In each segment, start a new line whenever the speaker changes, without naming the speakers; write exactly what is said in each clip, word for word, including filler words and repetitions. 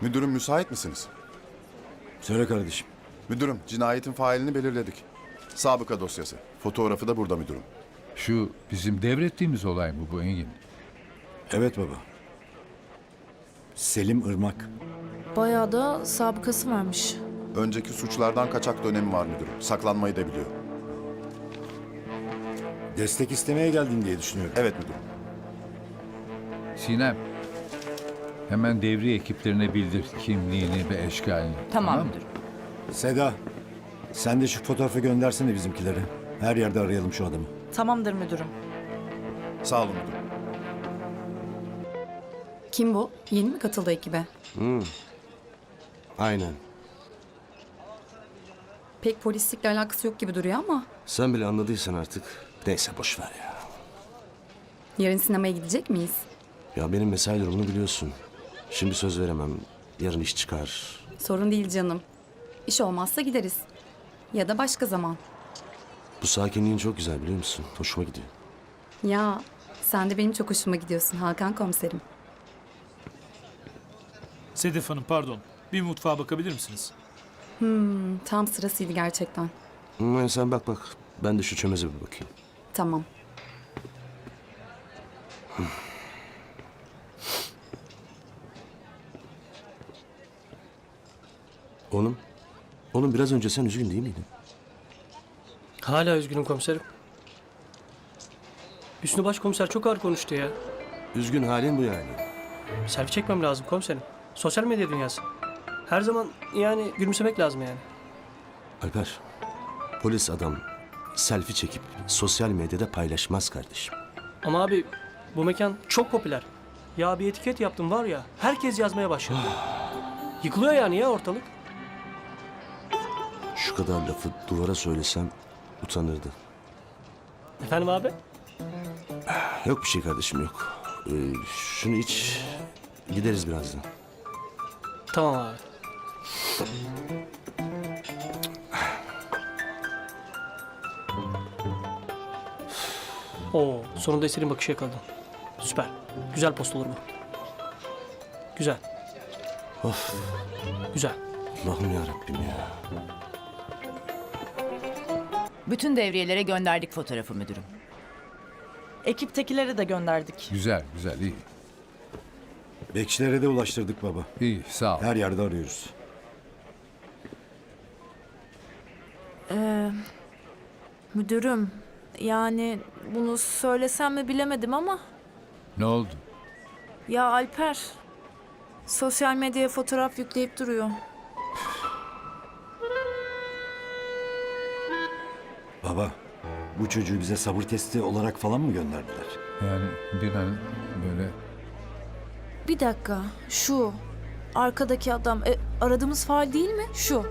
Müdürüm müsait misiniz?
Söyle kardeşim.
Müdürüm cinayetin failini belirledik. Sabıka dosyası. Fotoğrafı da burada müdürüm.
Şu bizim devrettiğimiz olay mı bu Engin?
Evet baba. Selim Irmak.
Bayağı da sabıkası varmış.
Önceki suçlardan kaçak dönemi var müdürüm. Saklanmayı da biliyor.
Destek istemeye geldin diye düşünüyorum.
Evet müdürüm.
Sinem, hemen devriye ekiplerine bildir kimliğini ve eşkalini.
Tamam
mı?
müdürüm.
Seda, sen de şu fotoğrafı göndersene bizimkilere. Her yerde arayalım şu adamı.
Tamamdır müdürüm.
Sağ olun müdürüm.
Kim bu? Yeni mi katıldı ekibe?
Aynen.
Pek polislikle alakası yok gibi duruyor ama
Sen bile anladıysan artık. Neyse boş ver ya.
yarın sinemaya gidecek miyiz?
Ya benim mesai durumunu biliyorsun. Şimdi söz veremem. Yarın iş çıkar.
Sorun değil canım. İş olmazsa gideriz. Ya da başka zaman.
Bu sakinliğin çok güzel biliyor musun? Hoşuma gidiyor.
Ya sen de benim çok hoşuma gidiyorsun Hakan komiserim.
Sedef Hanım pardon. Bir mutfağa bakabilir misiniz?
Tam sırasıydı gerçekten.
Hı, sen bak bak. Ben de şu çömeze bir bakayım.
Tamam.
Oğlum. Oğlum biraz önce sen üzgün değil miydin?
Hala üzgünüm komiserim. Hüsnü Başkomiser çok ağır konuştu ya.
Üzgün halin bu yani.
Selfie çekmem lazım komiserim. Sosyal medya dünyası. Her zaman yani gülümsemek lazım yani.
Alper. Polis adam selfie çekip sosyal medyada paylaşmaz kardeşim.
Ama abi bu mekan çok popüler. Ya bir etiket yaptım var ya herkes yazmaya başladı. Yıkılıyor yani ya ortalık.
Şu kadar lafı duvara söylesem utanırdı.
Efendim abi?
Yok bir şey kardeşim yok. Ee, şunu iç. Gideriz birazdan.
Tamam abi. Oo, sonunda Eser'in bakışı yakaladım. Süper. Güzel post olur bu. Güzel.
Of.
Güzel.
Allah'ım yarabbim ya.
Bütün devriyelere gönderdik fotoğrafı müdürüm.
Ekiptekilere de gönderdik.
Güzel, güzel, iyi.
Bekçilere de ulaştırdık baba.
İyi, sağ ol.
Her yerde arıyoruz.
Ee, müdürüm, yani bunu söylesem mi bilemedim ama...
Ne oldu?
Ya Alper, sosyal medyaya fotoğraf yükleyip duruyor.
Baba, bu çocuğu bize sabır testi olarak falan mı gönderdiler?
Yani bir an böyle...
Bir dakika, şu arkadaki adam, e, aradığımız fail değil mi? Şu.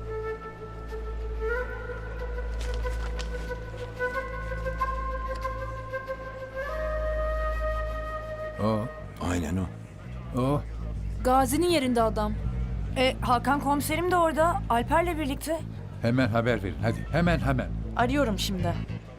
O,
Aynen o.
o.
Gazi'nin yerinde adam.
E, Hakan komiserim de orada. Alper'le birlikte.
Hemen haber verin, hadi. Hemen, hemen.
Arıyorum şimdi.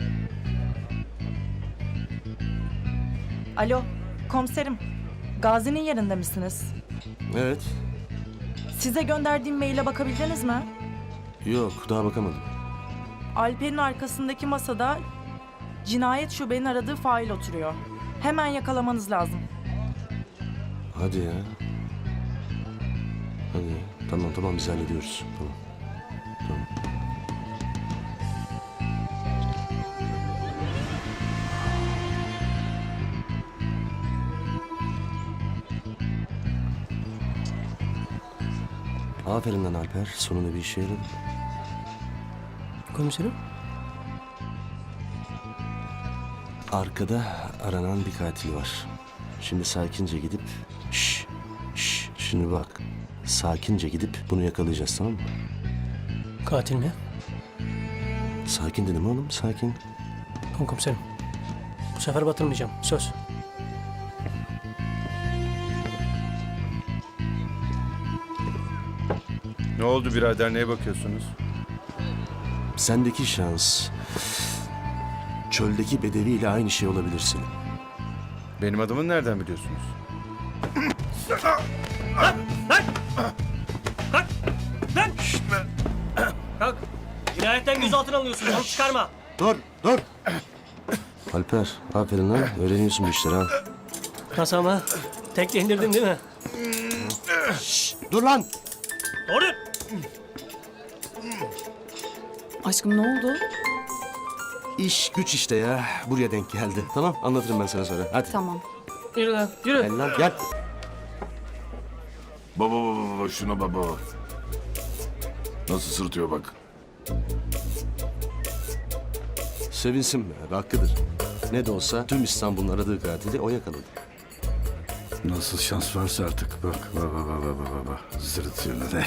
Alo, komiserim. Gazi'nin yerinde misiniz?
Evet.
Size gönderdiğim maile bakabildiniz mi?
Yok daha bakamadım.
Alper'in arkasındaki masada cinayet şubenin aradığı fail oturuyor. Hemen yakalamanız lazım.
Hadi ya. Hadi. Tamam tamam biz hallediyoruz. Tamam. Tamam. Aferin lan Alper. Sonunda bir işe yaradı.
Komiserim?
Arkada aranan bir katil var. Şimdi sakince gidip... Şş, şş, şimdi bak. Sakince gidip bunu yakalayacağız tamam mı?
Katil mi?
Sakin dedim oğlum sakin.
Tamam komiserim. Bu sefer batırmayacağım. Söz.
Ne oldu birader, neye bakıyorsunuz?
Sendeki şans... Çöldeki bedeviyle aynı şey olabilirsin.
Benim adımı nereden biliyorsunuz?
Kalk! Lan! Kalk! Cinayetten gözaltına alıyorsun. Onu çıkarma.
Dur, dur.
Alper, aferin lan. Öğreniyorsun bu işleri ha.
Nasıl ama? Tekle indirdin değil mi?
Dur lan!
Doğru.
Aşkım ne oldu?
İş güç işte ya. Buraya denk geldi. Tamam, anlatırım ben sana sonra. Hadi.
Tamam.
Yürü lan, yürü.
Gel lan, gel.
Baba baba baba şuna baba. Nasıl sırtıyor bak.
Sevinsin be, hakkıdır. Ne de olsa tüm İstanbul'un aradığı katili o yakaladı.
Nasıl şans varsa artık bak. Baba baba baba baba. Sırıtıyor ne de.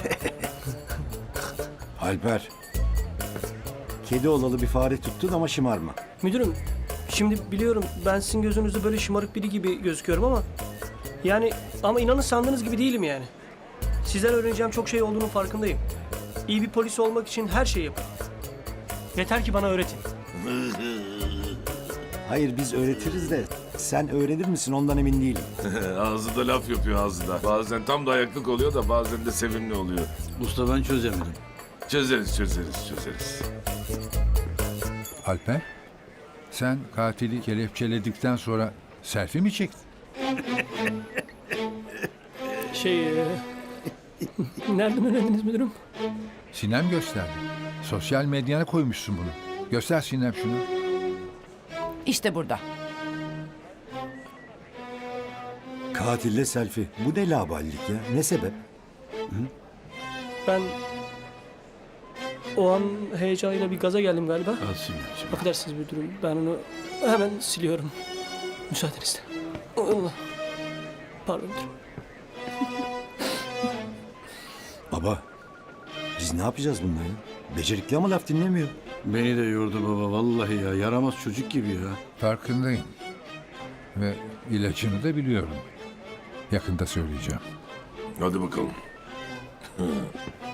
Alper. Kedi olalı bir fare tuttun ama şımarma.
Müdürüm, şimdi biliyorum ben sizin gözünüzde böyle şımarık biri gibi gözüküyorum ama... Yani ama inanın sandığınız gibi değilim yani. Sizden öğreneceğim çok şey olduğunun farkındayım. İyi bir polis olmak için her şeyi yaparım. Yeter ki bana öğretin.
Hayır biz öğretiriz de sen öğrenir misin ondan emin değilim.
Ağzı da laf yapıyor ağzı da. Bazen tam da ayaklık oluyor da bazen de sevimli oluyor. Usta ben çözemedim. Çözeriz çözeriz çözeriz.
Alper, sen katili kelepçeledikten sonra selfie mi çektin?
Şey... e, Nereden öğrendiniz müdürüm?
Sinem gösterdi. Sosyal medyana koymuşsun bunu. Göster Sinem şunu.
İşte burada.
Katille selfie. Bu ne laballik ya? Ne sebep?
Ben... O an heyecanıyla bir gaza geldim galiba.
Al Sinemciğim.
Affedersiniz müdürüm. Ben onu hemen siliyorum. Müsaadenizle. Allah. Pardon müdürüm.
Baba. Biz ne yapacağız bununla ya? Becerikli ama laf dinlemiyor.
Beni de yordu baba vallahi ya. Yaramaz çocuk gibi ya.
Farkındayım. Ve ilacını da biliyorum. Yakında söyleyeceğim.
Hadi bakalım.